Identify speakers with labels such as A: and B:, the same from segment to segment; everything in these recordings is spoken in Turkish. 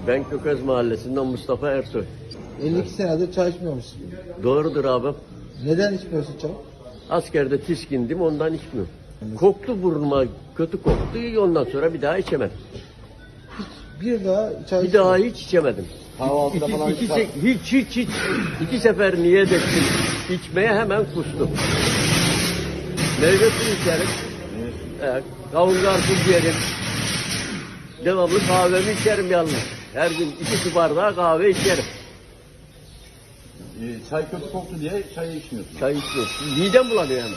A: Ben Kökez Mahallesi'nden Mustafa Ersoy.
B: 52 senedir çay içmiyormuşsun.
A: Doğrudur abi.
B: Neden içmiyorsun çay?
A: Askerde tiskindim, ondan içmiyorum. Koktu burnuma, kötü koktu. Ondan sonra bir daha içemedim.
B: Bir daha çay
A: Bir daha hiç içemedim.
B: Kahvaltıda falan
A: Hiç. 2 sefer niyet ettim. İçmeye hemen kustum. Meyve suyu içerim. Kavun karpuz yerim. Devamlı kahvemi içerim yalnız. Her gün 2 su bardağı kahve içerim.
C: Çay kötü koktu diye çayı içmiyorsun.
A: Çay içmiyorum. Midem bulanıyor hemen.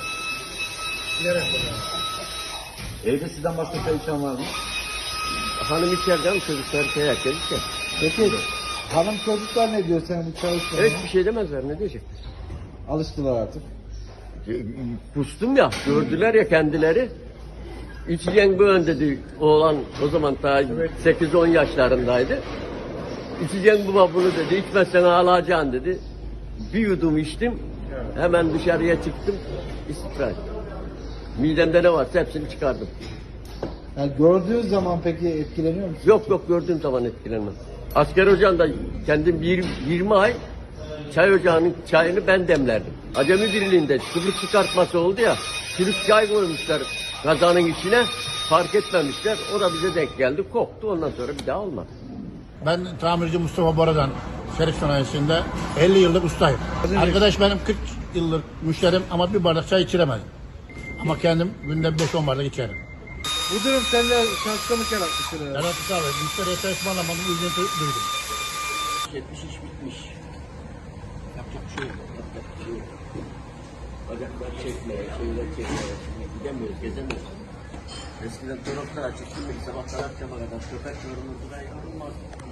C: Evde sizden başka çay içen var mı?
A: Hanım içeriden çocuklar herkes içer.
B: Peki hanım çocuklar ne diyor senin bu çay içmene?
A: Hiçbir şey demezler, ne diyecek?
B: Alıştılar artık.
A: Kustum ya, gördüler ya kendileri. İçeceğin bu ön dedi oğlan, o zaman daha 8-10 yaşlarındaydı. İçeceğin bu bunu dedi, içmezsen ağlayacaksın dedi. Bir yudum içtim, hemen dışarıya çıktım, istikrar ettim. Midemde ne varsa hepsini çıkardım.
B: Yani gördüğün zaman peki etkileniyor musun?
A: Yok gördüğüm zaman etkilenmem. Asker ocağında kendim 20 ay çay ocağının çayını ben demlerdim. Acemi Birliği'nde kıbrıs çıkartması oldu ya, çürük çay koymuşlar kazanın içine, fark etmemişler. O da bize denk geldi, koktu, ondan sonra bir daha olmadı.
D: Ben tamirci Mustafa Bora'dan Şerif Sanayisi'nde 50 yıllık ustayım. Arkadaş benim 40 yıllık müşterim ama bir bardak çay içiremedim. Ama kendim günde 5-10 bardak içerim.
B: Bu durum sende şaşkınlık yaratmıştır herhalde.
D: Yarattık abi. Müşteriye çay ısmarlamadım, üzüntü duydum.
A: 70 iş bitmiş. Yapacak bir şey yok. Bacaklar çekmeye, şeyler çekmeye. Gidemiyoruz, gezemiyoruz. Eskiden toroklar açık, şimdi sabahtan akşama kadar köpek yorulurdu da yorulmaz.